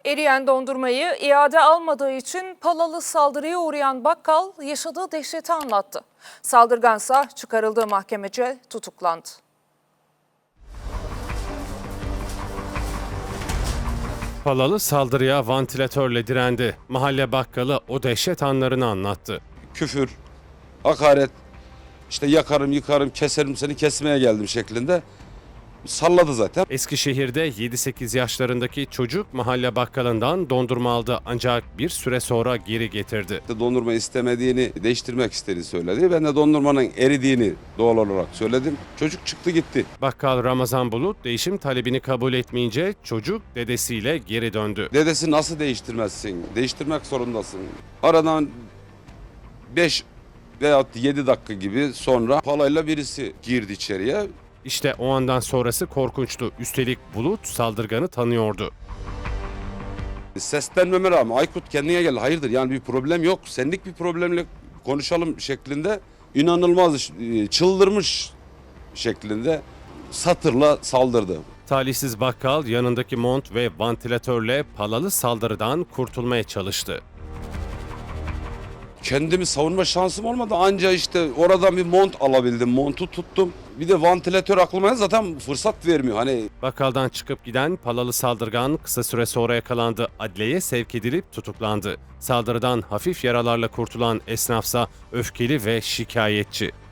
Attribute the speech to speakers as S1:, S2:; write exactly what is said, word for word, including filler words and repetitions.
S1: Eriyen dondurmayı iade almadığı için Palalı saldırıya uğrayan bakkal yaşadığı dehşeti anlattı. Saldırgansa çıkarıldığı mahkemece tutuklandı.
S2: Palalı saldırıya vantilatörle direndi. Mahalle bakkalı o dehşet anlarını anlattı.
S3: Küfür, hakaret, işte yakarım, yıkarım, keserim seni kesmeye geldim şeklinde salladı zaten.
S2: Eskişehir'de yedi sekiz yaşlarındaki çocuk mahalle bakkalından dondurma aldı ancak bir süre sonra geri getirdi.
S3: Dondurma istemediğini, değiştirmek istediğini söyledi. Ben de dondurmanın eridiğini doğal olarak söyledim. Çocuk çıktı gitti.
S2: Bakkal Ramazan Bulut değişim talebini kabul etmeyince çocuk dedesiyle geri döndü.
S3: Dedesi nasıl değiştirmezsin? Değiştirmek zorundasın. Aradan beş veya yedi dakika gibi sonra palayla birisi girdi içeriye.
S2: İşte o andan sonrası korkunçtu. Üstelik Bulut saldırganı tanıyordu.
S3: Seslenmeme rağmen Aykut kendine gel. Hayırdır yani bir problem yok. Senlik bir problemle konuşalım şeklinde inanılmaz çıldırmış şeklinde satırla saldırdı.
S2: Talihsiz bakkal yanındaki mont ve vantilatörle Palalı saldırıdan kurtulmaya çalıştı.
S3: Kendimi savunma şansım olmadı. Anca işte oradan bir mont alabildim. Montu tuttum. Bir de vantilatör aklıma zaten fırsat vermiyor. Hani
S2: Bakkaldan çıkıp giden Palalı saldırgan kısa süre sonra yakalandı. Adliyeye sevk edilip tutuklandı. Saldırıdan hafif yaralarla kurtulan esnafsa öfkeli ve şikayetçi.